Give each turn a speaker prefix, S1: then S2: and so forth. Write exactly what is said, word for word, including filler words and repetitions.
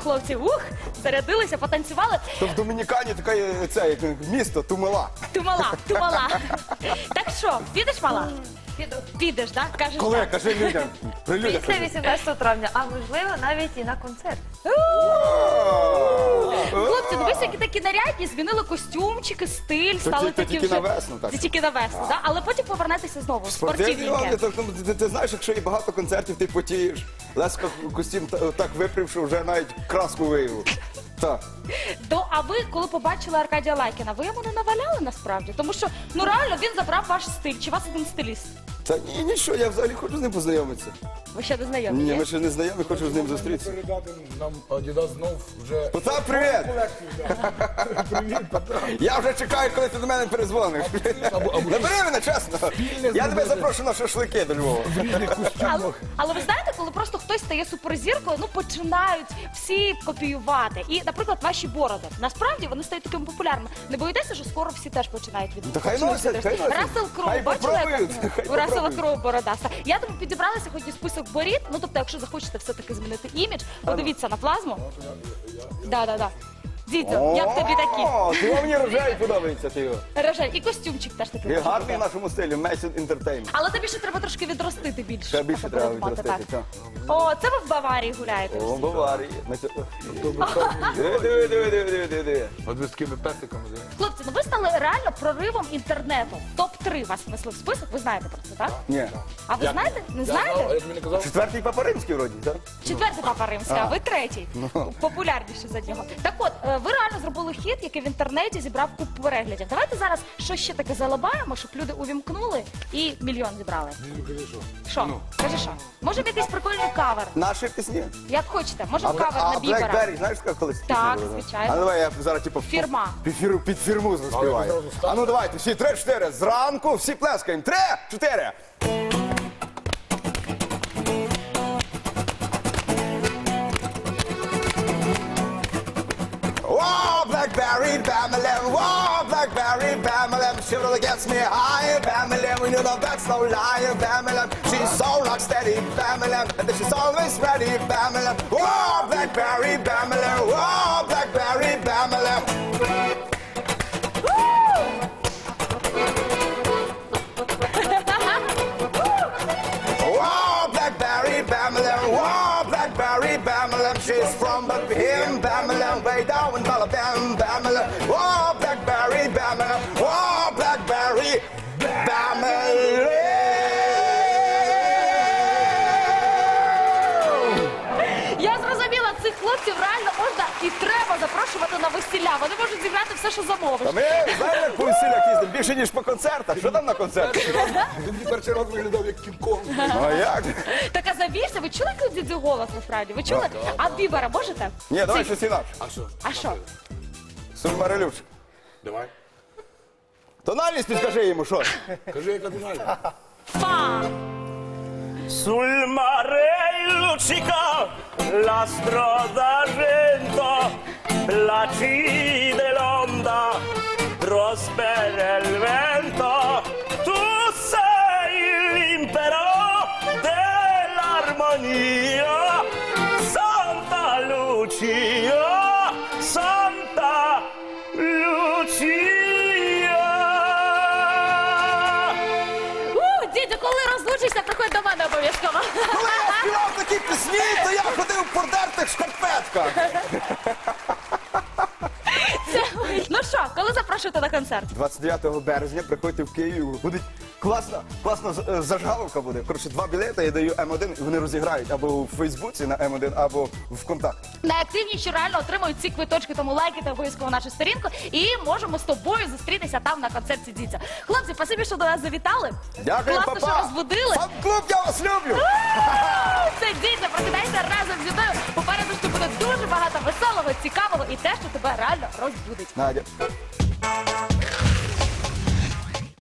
S1: хлопці, ух, зарядилися, потанцювали.
S2: То в Домінікані таке це, як місто Тумала.
S1: Тумала, тумала. Так що, підеш, мала?
S3: Піду.
S1: Підеш, так? Кажеш,
S2: Коли?
S1: так.
S2: Кажи людям. При людях
S3: Після
S2: кажи.
S3: вісімнадцятого травня, а можливо навіть і на концерт.
S1: Хлопці, дивись, які такі нарядні, змінили костюмчики, стиль, стали
S2: то
S1: такі
S2: тільки
S1: вже...
S2: на весну, так?
S1: Це тільки на весну, так? Але потім повернетеся знову в
S2: Спортивні вони,
S1: спортивненьке.
S2: так, ну, ти, ти знаєш, якщо є багато концертів, ти потієш. Леска костюм та- так випрів, що вже навіть краску виявив. Так.
S1: То, а ви, коли побачили Аркадія Лайкіна, ви йому не наваляли насправді? Тому що, ну реально, він забрав ваш стиль. Чи у вас один стиліст?
S2: Та ні, нічого, я взагалі хочу з ним познайомитися.
S1: Ви ще не знайомі?
S2: Ні,
S1: ні?
S2: ми ще не знайомі, хочу з ним зустрітися.
S4: Передати нам Adidas знов вже...
S2: Потап, привіт!
S4: колекцію, да. Привіт, Потап.
S2: Я вже чекаю, коли ти до мене перезвониш.
S4: Або- або-
S2: Набери мене, чесно. Я тебе запрошую на шашлики до Львова.
S4: В різних
S1: Але,
S4: костюмах.
S1: але ви знаєте, коли просто хтось стає суперзіркою, ну починають всі копіювати. І, наприклад, ваші бороди. Насправді вони стають такими популярними. Не боїтеся, що скоро всі теж починають від
S2: Та хай носять, хай носять.
S1: Рассел Кроу,
S2: Хай
S1: бачили,
S2: попробують,
S1: як
S2: хай
S1: у Рассела
S2: попробують.
S1: Кроу бородаста. Я тому підібрала сьогодні список борід. Ну тобто, якщо захочете все-таки змінити імідж, подивіться на плазму. Да, да, да. Дідьо, як тобі такі?
S2: О, ти мені рожевий подобається, ти його.
S1: Рожей. І костюмчик теж такий.
S2: І
S1: може
S2: гарний в
S1: бути.
S2: нашому стилі, Message Entertainment.
S1: Але тобі ще треба трошки відростити більше.
S2: Ще більше
S1: щоб
S2: треба
S1: подумати,
S2: відростити,
S1: так.
S2: так.
S1: О, це ви в Баварії гуляєте.
S2: О, Баварії. Ми це- Диви, диви, диви, диви, диви, диви, диви.
S4: От ви з такими песиками. да.
S1: Хлопці, ну ви стали реально проривом інтернету. топ три вас внесли в список, ви знаєте про це, так?
S2: Ні.
S1: А ви знаєте? Не
S4: Я знав, а
S1: знаєте?
S4: як мені казав,
S2: Четвертий Папа Римський вроді, так?
S1: Четвертий папа римський, а ви третій.
S2: Ну.
S1: Популярніший за нього. Так от, е, ви реально зробили хіт, який в інтернеті зібрав купу переглядів. Давайте зараз щось ще таке залабаємо, щоб люди увімкнули і мільйон зібрали. Що? Кажи що? Може в якийсь прикольний кавер?
S2: Наші пісні.
S1: Як хочете, може
S2: А,
S1: в кавер
S2: а
S1: на Бібера.
S2: Blackberry, знаєш, як колись?
S1: Так,
S2: пісня була?
S1: звичайно.
S2: А ну давай я зараз типу
S1: Фірма.
S2: Під, фір, під фірму заспіваю.
S4: Але ви зразу
S2: А ну давайте, всі три-чотири. Зранку всі плескаємо. Три-чотири. Whoa, Blackberry, Bamalam, whoa, Blackberry, Bamalam, she really gets me high, Bamalam, we know that that's no lie, Bamalam, she's so rock steady, Bamalam, and she's always ready, Bamalam, whoa, Blackberry, Bamalam, whoa, Blackberry, Bamalam. Whoa, Blackberry, Bamalam, whoa, Blackberry, Bamalam, she's from Buckingham, Bamalam, way down in Balabam, Bamalam, whoa, Blackberry, Bamalam, whoa, Blackberry, Bamalam.
S1: Я зрозуміла, цих хлопців реально можна і треба запрошувати на весілля. Вони можуть зіграти все, що замовиш.
S2: Та ми, знаєте, як по весілях їздимо, більше, ніж по концертах. Що там на концертах?
S4: він мені перший раз виглядав як кінг-конг.
S2: Ну а як?
S1: Так а завірся, ви чули, як у дідзю голос насправді? Ви чули? А Бібера можете?
S2: Ні, давай щось інакше.
S4: А що?
S1: А що?
S2: Сульмарелюш.
S4: Давай.
S2: Тональність підкажи йому, що?
S4: Кажи, яка фінальна.
S1: Па!
S5: Sul mare luccica l'astro d'argento, placide l'onda, prospera il vento. Tu sei l'impero dell'armonia, Santa Lucia, Santa Lucia.
S1: У, дідю, коли розлучишся, приходь до мене обов'язково.
S2: Коли я співав такі пісні, то я ходив в подертих шкарпетках.
S1: Це... Ну що, коли запрошуєте на концерт?
S2: двадцять дев'ятого березня приходьте в Київ. Буде класна, класна з- е, зажгаловка буде. Коротше, два білети я даю М один, і вони розіграють або у Фейсбуці на М один, або в ВКонтакті.
S1: Найактивніші реально отримують ці квиточки, тому лайкайте обов'язково нашу сторінку і можемо з тобою зустрітися там на концерті Дідзя. Хлопці, спасибі, що до нас завітали.
S2: Дякую,
S1: Класно,
S2: папа!
S1: що розбудили.
S2: Фан-клуб, я вас люблю!
S1: Це Дідзя, прокидайся разом зі мною. Попереду ще буде дуже багато веселого, цікавого і те, що тебе реально розбудить.
S2: Надя.